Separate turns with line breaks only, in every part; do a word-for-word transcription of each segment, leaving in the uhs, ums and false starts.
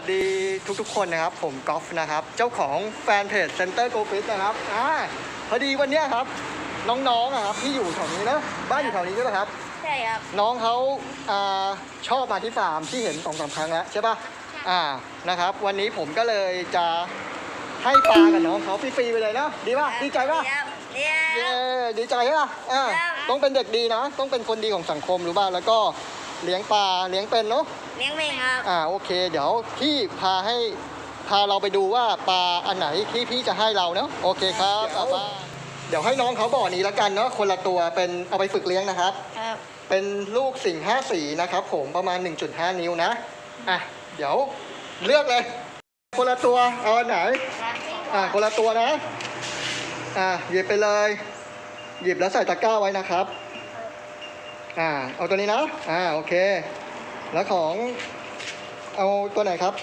ดีทุกๆคนนะครับผมกอล์ฟนะครับเจ้าของแฟนเพจ Center Go Fish นะครับอ่าพอดีวันนี้ครับน้องๆครับที่อยู่แถวนี้นะบ้านอยู่แถวนี้ใช่ไหมครับ
ใช่ครับ
น้องเขาอ่าชอบมาที่ฟาร์มที่เห็นสองสามครั้งแล้วใช่ป่ะอ่านะครับวันนี้ผมก็เลยจะให้ปลากับน้องเขาฟรีๆไปเลยนะดีป่ะดีใจป่ะเย้ดีใจใช่ป่ะอ่าต้องเป็นเด็กดีนะต้องเป็นคนดีของสังคมรู้ป่ะแล้วก็เลี้ยงปลาเลี้ยงเป็นเนาะ
เลี้ยงเป็นครับ
อ่าโอเคเดี๋ยวพี่พาให้พาเราไปดูว่าปลาอันไหนที่พี่จะให้เราเนาะโอเคครับเดี๋ยวเดี๋ยวให้น้องเขาบ่อนี้แล้วกันเนาะคนละตัวเป็นเอาไปฝึกเลี้ยงนะครับ
ครับ
เป็นลูกสิงห์ห้าสีนะครับผมประมาณ หนึ่งจุดห้า นิ้วนะอ่ะเดี๋ยวเลือกเลยคนละตัวเอาอันไหนอ่าคนละตัวนะอ่าหยิบไปเลยหยิบแล้วใส่ตะกร้าไว้นะครับอ่าเอาตัวนี้นะอ่าโอเคแล้วของเอาตัวไหนครับ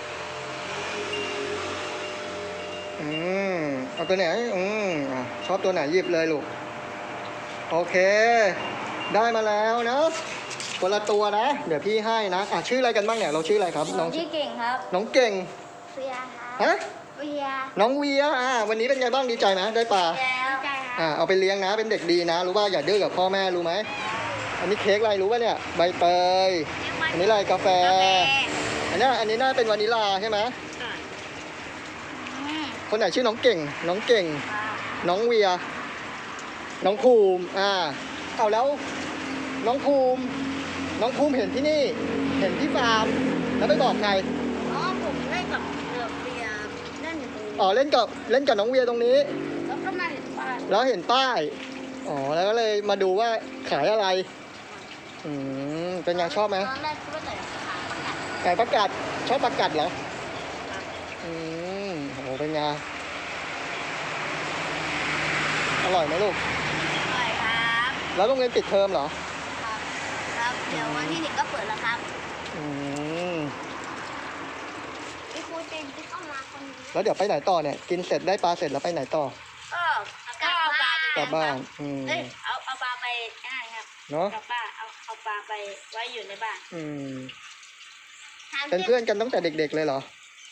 อืมเอาตัวไหนอืมอ่ะชอบตัวไหนหยิบเลยลูกโอเคได้มาแล้วนะคนละตัวนะเดี๋ยวพี่ให้นะอ่ะชื่ออะไรกันบ้างเนี่ยเราชื่ออะไรครับ
น้องชื่อเก่งครับ
น้องเก่ง
เวียครับ
ฮะ
เวีย
น้องเวียอ่าวันนี้เป็นไงบ้างดีใจไหมได้ปลาอ่าเอาไปเลี้ยงนะเป็นเด็กดีนะรู้ว่าอย่าดื้อกับพ่อแม่รู้ไหมอันนี้เค้กอะไรรู้ป่ะเนี่ยใบเตยอันนี้อะไรกาแฟอันนี้อันนี้น่าเป็นวานิลาใช่ไหมคนไหนชื่อน้องเก่งน้องเก่งน้องเวียน้องภูมิอ่าเอาแล้วน้องภูมิน้องภูมิเห็นที่นี่เห็นที่ฟาร์มแล้วไปบอกใคร
อ๋อผมเล่นกับเวียเล่นอยู่ตรงนี้
อ๋อเล่นกับเล่นกับน้องเวียตรงนี้
แล้วก็มาเห็นป้าย
แล้วเห็นป้ายอ๋อแล้วก็เลยมาดูว่าขายอะไรอืมเป็นไงชอบไหม
ตอนแรกคิดว่าแต่ขายประกัด
ไก่ประกาศชอบประกาศเหรออืมโหเป็นไงอร่อยไหมลูก
อร่อยครับ
แล้วโรงเรียนปิดเทอมเหรอ
ครับครับเดี๋ยววันที่หนึ่งก็เปิดแล้วครับ
อืม
พี่ครูเจนที่เข้ามาคนนี้
แล้วเดี๋ยวไปไหนต่อเนี่ยกินเสร็จได้ปลาเสร็จแล้วไปไหนต่อ
ก็ก็เอาปลาก
ลับบ้านอืม
เอ้ยเอาเอาปลาไปง่ายครับ
เนาะ
กับป้าเอาเอาปลาไปไว้อยู่ในบ้าน
อืมเป็นเพื่อนกันตั้งแต่เด็กๆเลยเหรอ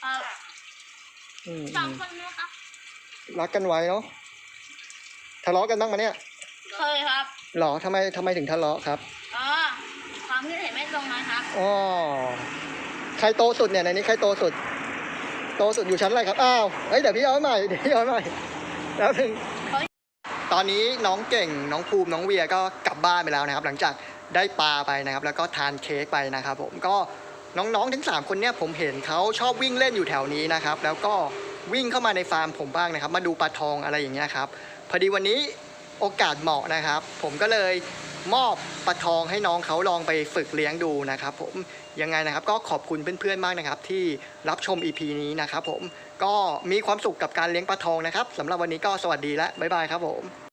สองคนนะครับ
รักกันไว้เนาะทะเลาะกันบ้างมาเนี่ย
เคยครับ
หรอทำไมทำไมถึงทะเลาะครับ
อ๋อความคิดเห็นไม่ตรงนะครับ
อ๋อใครโตสุดเนี่ยในนี้ใครโตสุดโตสุดอยู่ชั้นอะไรครับอ้าวเฮ้ยเดี๋ยวพี่เอาใหม่เดี๋ยวพี่เอาใหม่แล้วถึงตอนนี้น้องเก่งน้องภูมิน้องเวียก็กลับบ้านไปแล้วนะครับหลังจากได้ปลาไปนะครับแล้วก็ทานเค้กไปนะครับผมก็น้องๆทั้งสามคนเนี่ยผมเห็นเขาชอบวิ่งเล่นอยู่แถวนี้นะครับแล้วก็วิ่งเข้ามาในฟาร์มผมบ้างนะครับมาดูปลาทองอะไรอย่างเงี้ยครับพอดีวันนี้โอกาสเหมาะนะครับผมก็เลยมอบปลาทองให้น้องเขาลองไปฝึกเลี้ยงดูนะครับผมยังไงนะครับก็ขอบคุณเพื่อนๆมากนะครับที่รับชม อี พี นี้นะครับผมก็มีความสุขกับการเลี้ยงปลาทองนะครับสำหรับวันนี้ก็สวัสดีและบ๊ายบายครับผม